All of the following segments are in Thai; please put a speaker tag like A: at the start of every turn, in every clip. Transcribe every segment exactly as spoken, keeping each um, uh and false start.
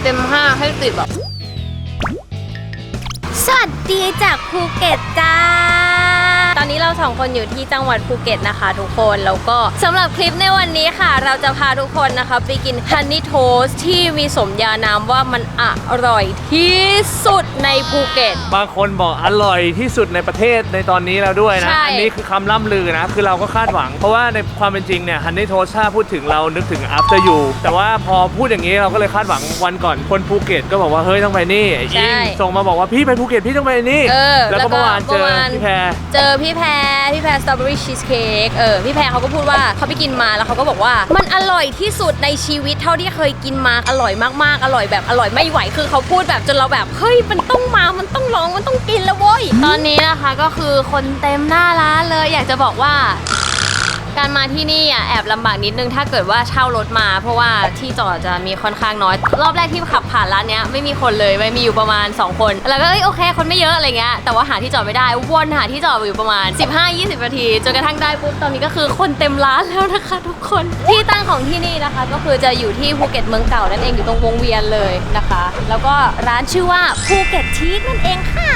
A: ต็มห้าให้ติดแบบสวัสดีจากภูเก็ตจ้าตอนนี้เราสองคนอยู่ที่จังหวัดภูเก็ตนะคะทุกคนแล้วก็สำหรับคลิปในวันนี้ค่ะเราจะพาทุกคนนะคะไปกินฮันนี่โทสต์ที่มีสมญานามว่ามันอร่อยที่สุดในภูเก็ต
B: บางคนบอกอร่อยที่สุดในประเทศในตอนนี้แล้วด้วยนะอันนี้คือคำล่ำลือนะคือเราก็คาดหวังเพราะว่าในความเป็นจริงเนี่ยฮันนี่โทสต์ถ้าพูดถึงเรานึกถึง after you แต่ว่าพอพูดอย่างนี้เราก็เลยคาดหวังวันก่อนคนภูเก็ตก็บอกว่าเฮ้ยต้องไปนี่ยิงส่งมาบอกว่าพี่ไปภูเก็ตพี่ต้องไปนี่แล้วก็เมื่อวานเจอพี่แพร
A: เจอพี่แพรพี่แพรสตรอเบอรี่ชีสเค้กเออพี่แพรเขาก็พูดว่าเขาไปกินมาแล้วเขาก็บอกว่ามันอร่อยที่สุดในชีวิตเท่าที่เคยกินมาอร่อยมากๆอร่อยแบบอร่อยไม่ไหวคือเขาพูดแบบจนเราแบบเฮ้ยมันต้องมามันต้องลองมันต้องกินแล้วเว้ยตอนนี้นะคะก็คือคนเต็มหน้าร้านเลยอยากจะบอกว่าการมาที่นี่อ่ะแอบลำบากนิดนึงถ้าเกิดว่าเช่ารถมาเพราะว่าที่จอดจะมีค่อนข้างน้อยรอบแรกที่ขับผ่านร้านเนี้ยไม่มีคนเลยไม่มีอยู่ประมาณสองคนแล้วก็เอ้ยโอเคคนไม่เยอะอะไรเงี้ยแต่ว่าหาที่จอดไม่ได้วนหาที่จอดอยู่ประมาณ สิบห้าถึงยี่สิบ นาทีจนกระทั่งได้ปุ๊บตอนนี้ก็คือคนเต็มร้านแล้วนะคะทุกคนที่ตั้งของที่นี่นะคะก็คือจะอยู่ที่ภูเก็ตเมืองเก่านั่นเองอยู่ตรงวงเวียนเลยนะคะแล้วก็ร้านชื่อว่าภูเก็ตชีสนั่นเองค่ะ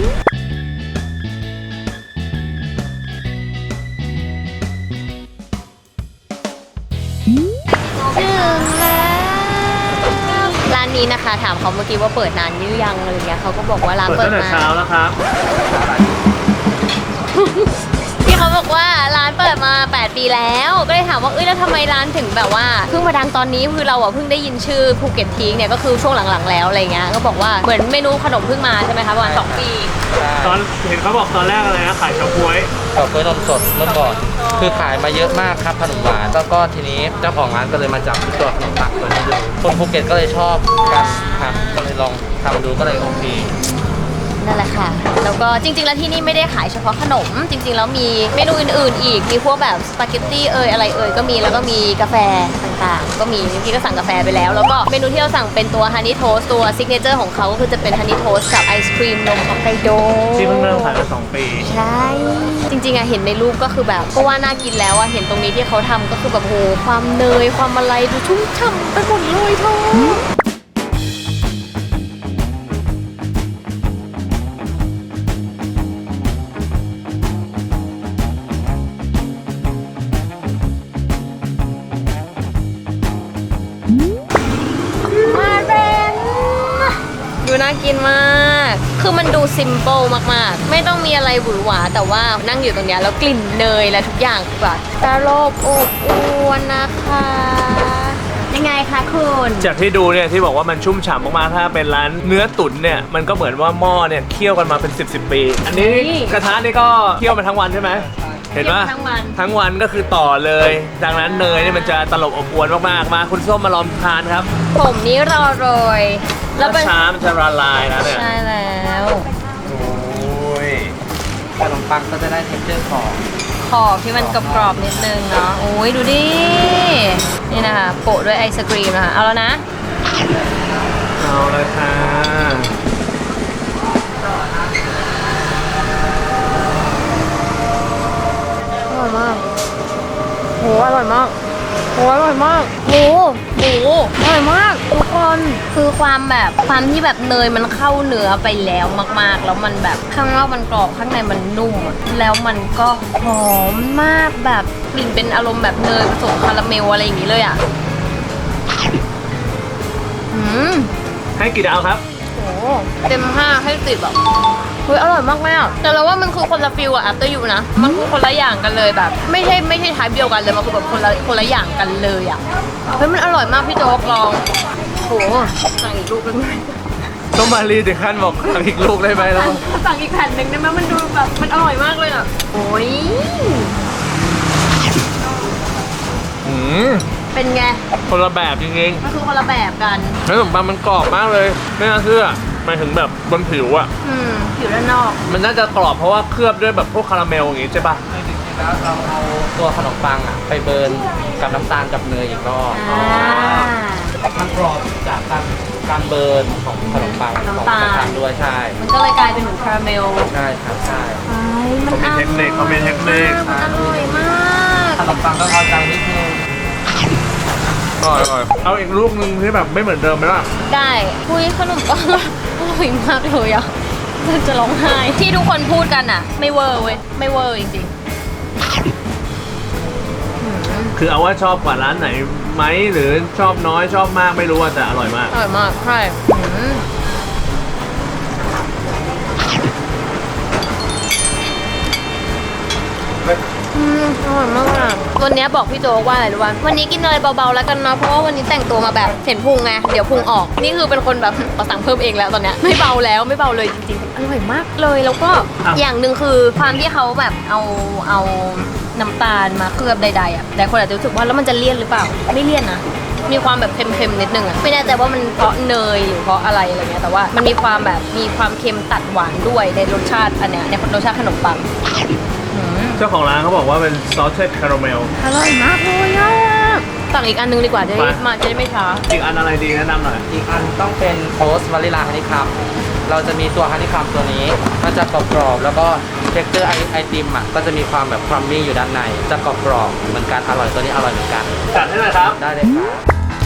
A: ถึงแล้วร้านนี้นะคะถามเขาเมื่อกี้ว่าเปิดนานยืยังอะไรเงี้ยเขาก็บอกว่าร้านเปิดมา
B: เช้าแล้วครับ
A: ที่เขาบอกว่าร้านเปิดมาแปดปีแล้วก็เลยถามว่าเอ้ยแล้วทำไมร้านถึงแบบว่าเพิ่งมาดังตอนนี้คือเราอ่ะเพิ่งได้ยินชื่อภูเก็ตทีเนี่ยก็คือช่วงหลังๆแล้วอะไรเงี้ยก็บอกว่าเหมือนเมนูขนมเพิ่งมาใช่ไหมคะประมาณสองปี
B: ตอนเห็นเขาบอกตอนแรกอะไรนะขายเฉาก๊วย
C: เฉาก๊วยนมสดเมื่อก่อนคือขายมาเยอะมากครับขนมหวานแล้วก็ทีนี้เจ้าของร้านก็เลยมาจับตัวขนมปังตัวนี้ดูคนภูเก็ตก็เลยชอบการทำก็เลยลองทำดูก็เลยโอเค
A: นั่นแหละค่ะแล้วก็จริงๆแล้วที่นี่ไม่ได้ขายเฉพาะขนมจริงๆแล้วมีเมนูอื่นๆอีกมีพวกแบบสปาเกตตี้เอ่ยอะไรเอ่ยก็มีแล้วก็มีกาแฟต่างๆก็มีที่ก็สั่งกาแฟไปแล้วแล้วก็เมนูที่เราสั่งเป็นตัวฮันนี่โทสต์ตัวซิกเนเจอร์ของเขาก็คือจะเป็นฮันนี่โทสต์กับไอศครีมนมฮอกไกโด
B: ที่เพิ่งเริ่มขายมาสองปี
A: ใช่จริงๆอะเห็นในรูปก็คือแบบก็ว่าน่ากินแล้วอะเห็นตรงนี้ที่เขาทำก็คือแบบโหความเนยความอะไรดูชุ่มฉ่ำไปหมดเลยเธอน่ากินมากคือมันดูซิมเปิลมากๆไม่ต้องมีอะไรหวือหวาแต่ว่านั่งอยู่ตรงนี้แล้วกลิ่นเนยและทุกอย่างแบบกระโลบอบอวนนะคะยังไงคะคุณ
B: จากที่ดูเนี่ยที่บอกว่ามันชุ่มฉ่ำมากๆถ้าเป็นร้านเนื้อตุ๋นเนี่ยมันก็เหมือนว่าหม้อเนี่ยเคี่ยวกันมาเป็นสิบสิบปีอันนี้กระทะนี่ก็เคี่ยวมาทั้งวันใช่ไหมเห็นว่า
A: ทั้งวัน
B: ทั้งวันก็คือต่อเลยดังนั้นเนยเนี่ยมันจะตลบอบอวนมากๆมาคุณส้มมาลองทานครับ
A: ผมนี้รอโรย
B: แล้วช้ามันจะละลายนะเนี่ย
A: ใช่แล้ว
B: โอ้ย
C: ขนมปังก็จะได้เท็กเจอร์ขอบ
A: ขอบที่มันกรอบๆนิดนึงเนาะโอ้ยดูดินี่นะคะโปะด้วยไอศกรีมนะคะเอาแล้วนะ
B: เอาเลยค่ะ
A: อร่อยมากโหอร่อยมากโหอร่อยมากโหโหอร่อยมากทุกคนคือความแบบความที่แบบเนยมันเข้าเนื้อไปแล้วมากๆแล้วมันแบบข้างนอกมันกรอบข้างในมันนุ่มแล้วมันก็หอมมากแบบกลิ่นเป็นอารมณ์แบบเนยผสมคาราเมลอะไรอย่างนี้เลยอ่ะอืม
B: ให้กี่ดาวครับ
A: โอ้เต็มห้าให้สิบแบบเฮ้ยอร่อยมากแม่แต่เราว่ามันคือคนละฟิลอะ after you นะมันคือคนละอย่างกันเลยแบบไม่ใช่ไม่ใช่ไทป์เดียวกันเลยมันคือแบบคนละคนละอย่างกันเลยอะเฮ้ยมันอร่อยมากพี่โจ๊กลองโหสั่งอีกลูกได้ไหม
B: ต้องมารีถึงขั้นบอกสั่งอีกลูกได้ไหมแล้ว
A: สั่งอีกแผ่นหนึ่งได้ไหมมันดูแบบมันอร่อยมากเลยอะโอ้ย
B: อืม
A: เป็นไง
B: คนละแบบจริง
A: ๆมันคือคนละแบบกัน
B: ขนมปังมันกรอบมากเลยไม่น่าเชื่อหมายถึงแบบบนผิวอะ
A: อืมผิวด้านนอก
B: มันน่าจะกรอบเพราะว่าเคลือบด้วยแบบพวกคาราเมลอย่างงี้ใช่ปะ
C: จริงๆแล้วเราเอาตัวขนมปังอะไปเบิร์นกับน้ำตาลกับเนยอีกรอบมันกรอบจากการการเบิร์นของขนมปังของน้ำตาลด้วยใช่
A: มันก็เลยกลายเป็นเหมือนคาราเมล
C: ใช่ครับใช่
B: เขามีเทคนิคเขามีเทคนิค
A: มันอร่อยมาก
C: ขนมปังต้องเอาใจนิดนึง
B: ร่อยอร่อยเอาอีกลูกนึงที่แบบไม่เหมือนเดิมไหมล่ะ
A: ได้คุยขนมปังอร่อยมากเลยอ่ะจะร้องไห้ที่ทุกคนพูดกันอ่ะ ไม่เวอร์เว้ยไม่เวอร์จริง
B: คือเอาว่าชอบกว่าร้านไหนไหมหรือชอบน้อยชอบมากไม่รู้อะแต่อร่อยมาก
A: ๆอร่อยมากใช่อืมอืมอร่อยมากอ่ะวันนี้บอกพี่โจ๊กว่าอะไรรู้ป่ะวันนี้กินอะไรเบาๆแล้วกันเนาะเพราะว่าวันนี้แต่งตัวมาแบบเห็นพุงไงเดี๋ยวพุงออกนี่คือเป็นคนแบบขอสั่งเพิ่มเองแล้วตอนเนี้ยไม่เบาแล้วไม่เบาเลยจริงๆอร่อยมากเลยแล้วก็อย่างหนึ่งคือความที่เขาแบบเอาเอาน้ำตาลมาเคลือบใดๆอ่ะแต่คนอาจจะรู้สึกว่าแล้วมันจะเลี่ยนหรือเปล่าไม่เลี่ยนนะมีความแบบเค็มๆนิดนึงอ่ะไม่แน่ใจว่ามันเพราะเนยหรือเพราะอะไรอะไรเงี้ยแต่ว่ามันมีความแบบมีความเค็มตัดหวานด้วยในรสชาติอันเนี้ยในรสชาติขนมปัง
B: เจ้าของร้านเขาบอกว่าเป็น salted caramel
A: อร่อยมากเลยอ่ะสั่งอีกอันนึงดีกว่าจะได้
B: ไป
A: มาจะได้ไม่ช้า
B: อีกอันอะไรดีแนะนำหน่อย
C: อีกอันต้องเป็นโทสต์วานิลาฮันนี่คัมเราจะมีตัวฮันนี่คัมตัวนี้มันจะกรอบๆแล้วก็เท็กเจอร์ไอไอติมอ่ะก็จะมีความแบบครัมมี่อยู่ด้านในจะกรอบๆเหมือนกันอร่อยตัวนี้อร่อยเหมือนกัน
B: จัดให้หน่อยครับ
C: ได้เลยครับ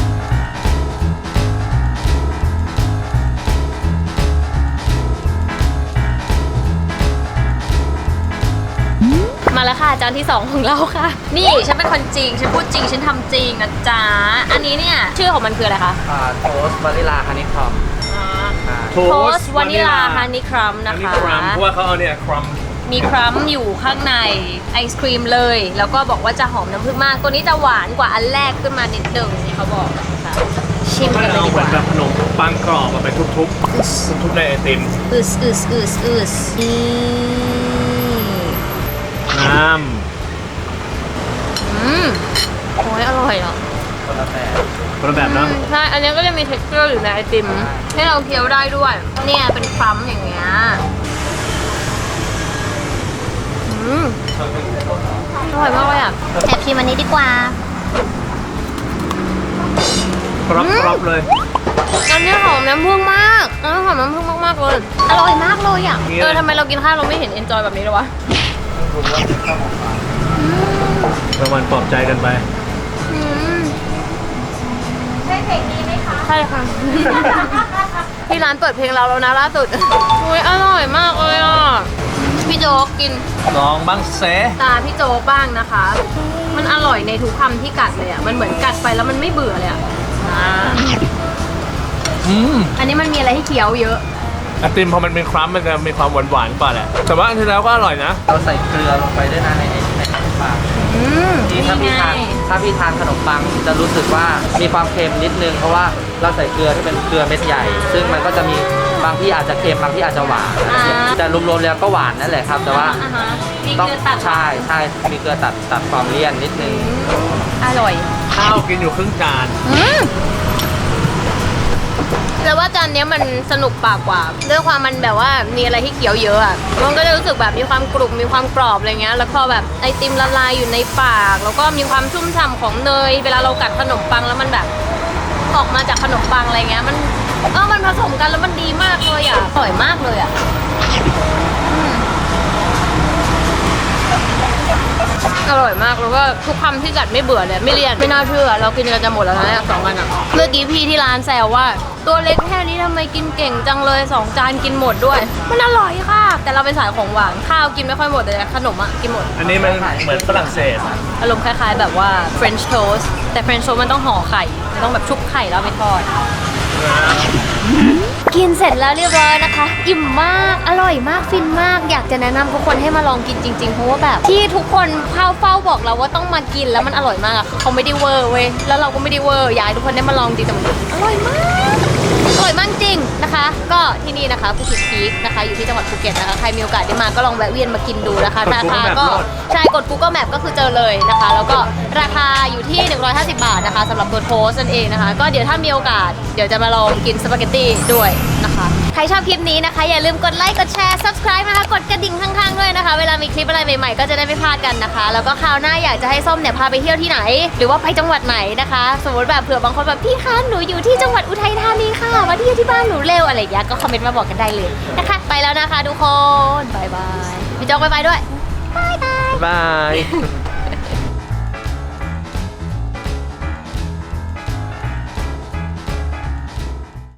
A: มาแล้วค่ะจานที่สองของเราค่ะ นี่ฉันเป็นคนจริงฉันพูดจริงฉันทำจริงนะจ๊ะอันนี้เนี่ยชื่อของมันคืออะไรคะ
C: อ่าโทสต์วานิลาฮันนี่คัม
A: โทสต์วานิลาฮันนี่ครัม
B: อั
A: นะ
B: นนี้
A: คะ
B: ครัมเพราะว่าเขาเอาเนี่ยครัม
A: มีครัมอยู่ข้างในไอศครีมเลย แล้วก็บอกว่าจะหอมน้ำผึ้งมาก ตัวนี้จะหวานกว่าอันแรกขึ้นมานิดนึงที่เขาบอกนะคะชิม
B: เขา
A: กันเลย
B: เอา
A: ดี
B: เห
A: ก
B: มือน
A: ว่า
B: แบบขนมปังกรอบมาไปทุบๆทุบๆในไอติม
A: อึสอึสอึสอึสนี่
B: น้
A: อืมโอ้ยอร่อยอ่ะ
C: คนละแบบ
B: ำคนละแบบเนาะ
A: อืมใช่ อันนี้ก็จะมี เท็กเจอร์ อยู่ในไอติมให้เราเคี้ยวได้ด้วย เนี่ยเป็นครัมอย่างเงี้ยอืมอร่อยมากเลยอ่ะแอบชิมอันนี้ดีกว่า
B: กรอบกรอบเลย
A: อันนี้หอมน้ำผึ้งมากอันนี้หอมน้ำผึ้งมากๆเลย อร่อยมากเลยอ่ะ
B: เนี่ย
A: เออทำไมเรากินข้าวเราไม่เห็นเอนจอยแบบนี้เลยวะ
C: รู้ว่าเป็นข้าวหอมหวาน
B: รางวัลปลอบใจกันไป
A: อืมใช่เพลงนี้ไหมคะ ใช่ค่ะ ที่ร้านเปิดเพลงเราแล้วนะล่าสุดอุ้ยอร่อยมากเลยอ่ะ พี่โจ๊กกิน
B: ลองบ้างเซ
A: ตาพี่โจ๊กบ้างนะคะ มันอร่อยในทุกคำที่กัดเลยอ่ะ มันเหมือนกัดไปแล้วมันไม่เบื่อเลยอ่ะอ่า
B: อืม
A: อันนี้มันมีอะไรให้เคี้ยวเยอะ
B: ไอติมพอมันเป็นครัมมันจะมีความหวานหวานๆกว่าแหละ แต่ว่าอันที่แล้วก็อร่อยนะ
C: เราใส่เกลือลงไปด้วยนะในในขนมปัง
A: อืม
C: ที่ถ้าพี่ทานถ้าพี่ทานขนมปังจะรู้สึกว่ามีความเค็มนิดนึงเพราะว่าเราใส่เกลือที่เป็นเกลือเม็ดใหญ่ ซึ่งมันก็จะมีบางที่อาจจะเค็มบางที่อาจจะหวานแต่รวมๆแล้วก็หวานนั่นแหละครับ แต่ว่า
A: อ่าฮะมี
C: ต้อง
A: เกลือตัด
C: ใช่ใช่มีเกลือตัดตัดความเลี่ยนนิดนึง
A: อร่อย
B: ข้าวกินอยู่ครึ่งจาน
A: อืมแต่ว่าจานเนี้ยมันสนุกปากกว่าด้วยความมันแบบว่ามีอะไรที่เคี้ยวเยอะอ่ะมันก็จะรู้สึกแบบมีความกรุบมีความกรอบอะไรเงี้ยแล้วพอแบบไอติมละลายอยู่ในปาก แล้วก็มีความชุ่มฉ่ำของเนย เวลาเรากัดขนมปังแล้วมันแบบออกมาจากขนมปังอะไรเงี้ยมันเออมันผสมกันแล้วมันดีมากเลยอ่ะอร่อยมากเลยอ่ะอืมอร่อยมากแล้วก็ทุกคำที่กัดไม่เบื่อเลยไม่เลี่ยนไม่น่าเชื่อเรากินกันจะหมดแล้วนะเนี่ยสองกันอ่ะเมื่อกี้พี่ที่ร้านแซวว่า ตัวเล็กแค่นี้ทำไมกินเก่งจังเลยสองจานกินหมดด้วย มันอร่อยค่ะ แต่เราเป็นสายของหวานข้าวกินไม่ค่อยหมดแต่ขนมอ่ะกินหมด
B: อันนี้มันเหมือนฝรั่งเศส
A: อารมณ์คล้ายๆแบบว่า French toast แต่ French toast มันต้องห่อไข่มันต้องแบบชุบไข่แล้วเอาไปทอด กินเสร็จแล้วเรียบร้อยนะคะ อิ่มมาก อร่อยมาก ฟินมาก อยากจะแนะนำทุกคนให้มาลองกินจริงๆ เพราะว่าแบบที่ทุกคนเข้าเฝ้าบอกเราว่าต้องมากินแล้วมันอร่อยมากอะคือเขาไม่ได้เวอร์เว้ย แล้วเราก็ไม่ได้เวอร์อยากให้ทุกคนได้มาลองจริงแต่มันอร่อยมาก อร่อยมากจริงนะคะ ก็ที่นี่นะคะภูเก็ตพีคนะคะ อยู่ที่จังหวัดภูเก็ตนะคะ ใครมีโอกาสได้มาก็ลองแวะเวียนมากินดูนะคะราคาก็ใช่กด Google Map ก็คือเจอเลยนะคะ แล้วก็ราคาอยู่ที่หนึ่งร้อยห้าสิบบาทนะคะสำหรับตัวโทสต์นั่นเองนะคะ ก็เดี๋ยวถ้ามีโอกาสเดี๋ยวจะมาลองกินสปาเกตตี้ด้วยนะคะ ใครชอบคลิปนี้นะคะอย่าลืมกดไลค์กดแชร์ Subscribe นะคะกดกระดิ่งข้างๆด้วยนะคะ เวลามีคลิปอะไรใหม่ๆก็จะได้ไม่พลาดกันนะคะ แล้วก็คราวหน้าอยากจะให้ส้มเนี่ยพาไปเที่ยวที่ไหน หรือว่าไปจังหวัดไหนนะคะ สมมติแบบเผื่อบางคนแบบพี่คะหนูอยู่ที่จังหวัดอุทัยธานีค่ะมาเที่ยวที่บ้านหนูเร็วอะไรอย่างเงี้ยก็คอมเมนต์มาบอกกันได้เลยนะคะ ไปแล้วนะคะทุกคนบายบายพี่จอกบายบายด้วยบายบาย
B: บาย